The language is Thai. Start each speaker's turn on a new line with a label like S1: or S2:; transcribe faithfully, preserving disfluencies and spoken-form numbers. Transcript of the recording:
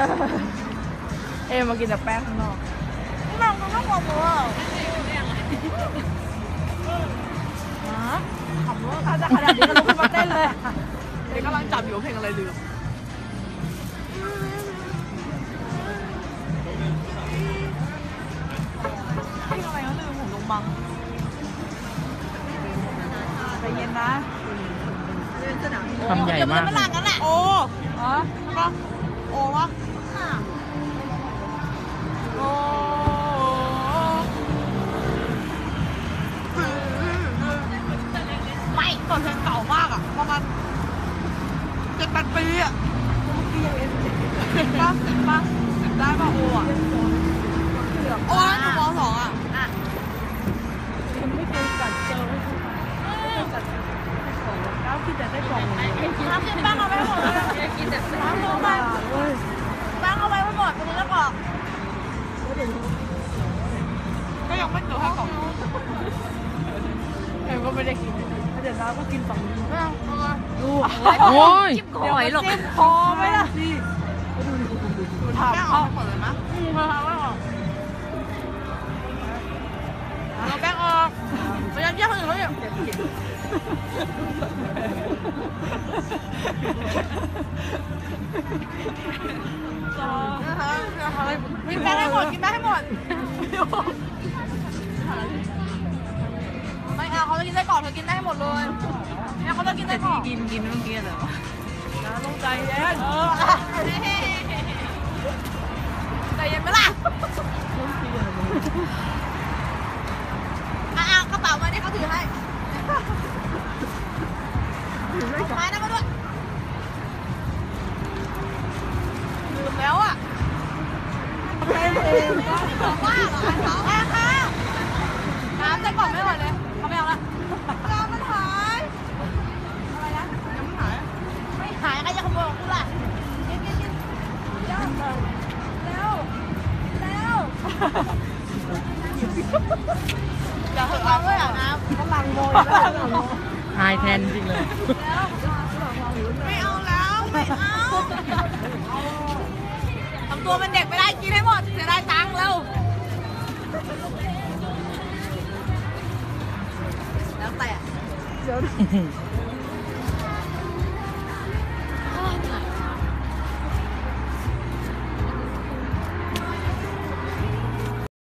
S1: เอมากินแต่แป้งข้างนอก
S2: นี่มันก็ต้องบอกว่าขำว่า
S1: ถ้าจะขนาดนี้ก็ลุกขึ้นมาเต้นเลย
S2: เด็กกำลังจับอยู่เพลงอะไรลืมเพลงอะไรก็ลืมผมลงบังใจเย็นนะ
S3: คำใหญ่มาก
S2: มันหลังกันแหละโอ้อ๋อใช่ปะโอ้ปะโอ้ไม่ตอนเพลงเก่ามากอ่ะประมาณเจ็ดแปดปีอ่ะเจ็ดปะเจ็ดปะเจ็ดได้ปะโอ้อ่ะโอ้หนูมสองอ่ะ
S1: ไม่เคยกัดเจอไม่เคยกัดของก้าวกินแต่ได้กล่องเลย
S2: ทำกินบ้างเอาไว้หมดเลยกินแต่บ้างเอาไว้บ้างเอาไว้หมดตรงนี้แล้วบอกก็ยังไม่เจอแค่กล่อง
S1: เออก็ไม่ได้กินเดี๋ยวน้าก็กินฝั่งนี้
S2: ไม่เอาเอามา
S1: ดู
S3: โอ้ย
S1: เดี๋ยวหรอกพอไหมล่ะนี่ดูถาม
S2: แป้งอ
S1: เขา
S2: อกหมดเลยมั้ย
S1: อืมเขาไม่ออก
S2: เอาแป้งออกไปยัดเยียดคนอื่นเขาเนี่ยกินแป้งให้หมดกินแป้งให้หมดไม่เอาเขาจะกินไส้กรอกเธอกินได้ให้หมดเลยเนี่ยเขาจะกินไส้กรอก
S1: กินกินเมื่อกี้เหรอน้าต้องใจเย็น
S2: เออใจเย็นไหมล่ะอ่ะกระเป๋ามาที่เขาถือให้เอาไม้นั่นมาด้วยลืมแล้วอ่ะ
S1: เป็นเอง
S2: บอกว่าเหรอเขาแม่ค่ะน้ำใส่กล่องไม่หมดเลยเขาไม่เอาละน้ำมันหายอะไรนะยังไม่หายไม่หายใครจะขโมยของกูล่ะกินกินกินเร็วเร็วเร็วอย่าเพิ่งเอาด้วยอ่ะน้ำ
S1: กำลังโมยแล้ว
S3: อายแทนจริงเลย
S2: ไม่เอาแล้วไม่เอาทำตัวเป็นเด็กไม่ได้กินให้หมดเสียดายตังค์แล้วแล้วแต่
S1: เดี๋ยว